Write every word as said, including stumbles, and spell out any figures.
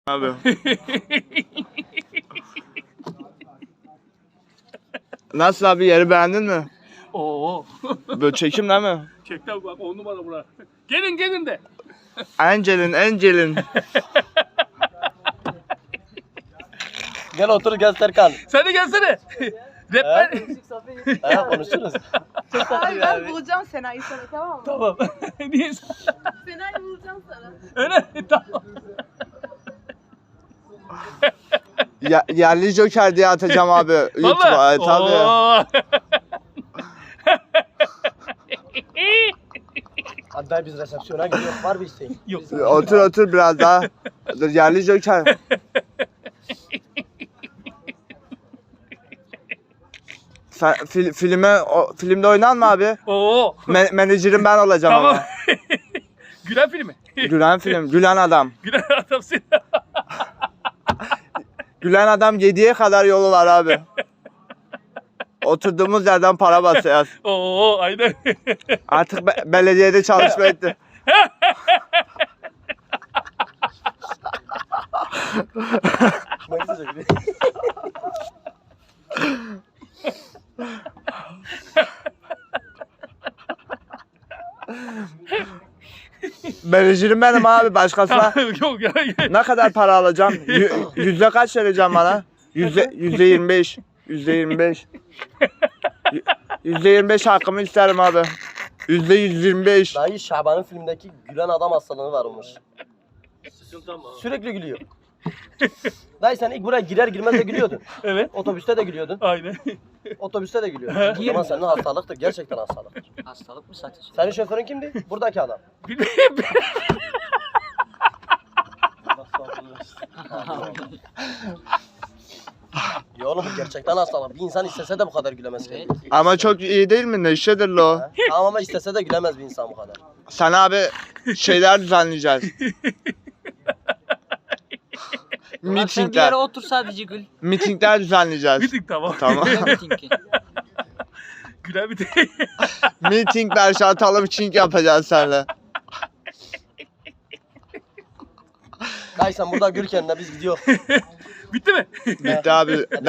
Abi. Nasıl abi, yeri beğendin mi? Oo. Böyle çekim değil mi? Çekten bak on numara bura. Gelin gelin de. Angelin, Angelin. Gel otur gel Serkan. Sen de gelsene. Rap ben. Ha konuşuruz. Abi ben bulacağım Sena'yı sana, tamam mı? Tamam. Niye sen? Sena'yı bulacağım sana. Öyle mi? Tamam. Ya, yerli Joker diye atacağım abi. YouTube'a. Valla. Evet, tabii. Oo. Hadi dayı biz resepsiyona gidiyoruz. Var bir isteğin. Yok. Otur otur biraz daha. Dur, yerli Joker. Sen fil, filme o, filmde oynan mı abi? Oo. Me, menajerim ben olacağım Tamam. ama. Gülen filmi. Gülen film, gülen adam. Gülen adamsın. Gülen adam yediye kadar yolu var abi. Oturduğumuz yerden para basacağız. Oo aynen. Artık be- belediyede çalışma etti. Ne güzel. Menajerim benim abi, başkasına. Yok ya. Ne kadar para alacağım? Yü- yüzde kaç vereceğim bana? Yüzde, yüzde yirmi beş. Yüzde yirmi beş. Yü- Yüzde yirmi beş hakkımı isterim abi. Yüzde yüz yirmi beş. Dayı Şaban'ın filmdeki gülen adam hastalığı varmış. Sürekli gülüyor. Dayı sen ilk buraya girer girmez de gülüyordun. Evet. Otobüste de gülüyordun. Aynen. Otobüste de gülüyordun. O zaman senin hastalıktır. Gerçekten hastalıktır. Hastalık mı satış? Senin şoförün kimdi? Buradaki adam. Ya oğlum bu gerçekten hastalık. Bir insan istese de bu kadar gülemez. Evet. Ama çok iyi değil mi? Neşedir lo. Ha? Tamam ama istese de gülemez bir insan bu kadar. Sen abi şeyler düzenleyeceğiz. Ulan sen bir Mitingler. yere otur sadece gül. Mitingler düzenleyeceğiz. Bitik tamam. Tamam. Ne mitingi? Gülen bitik. Mitingler, şartalım çink yapacağız seninle. Dayı sen burada gül kendine biz gidiyoruz. Bitti mi? Bitti abi.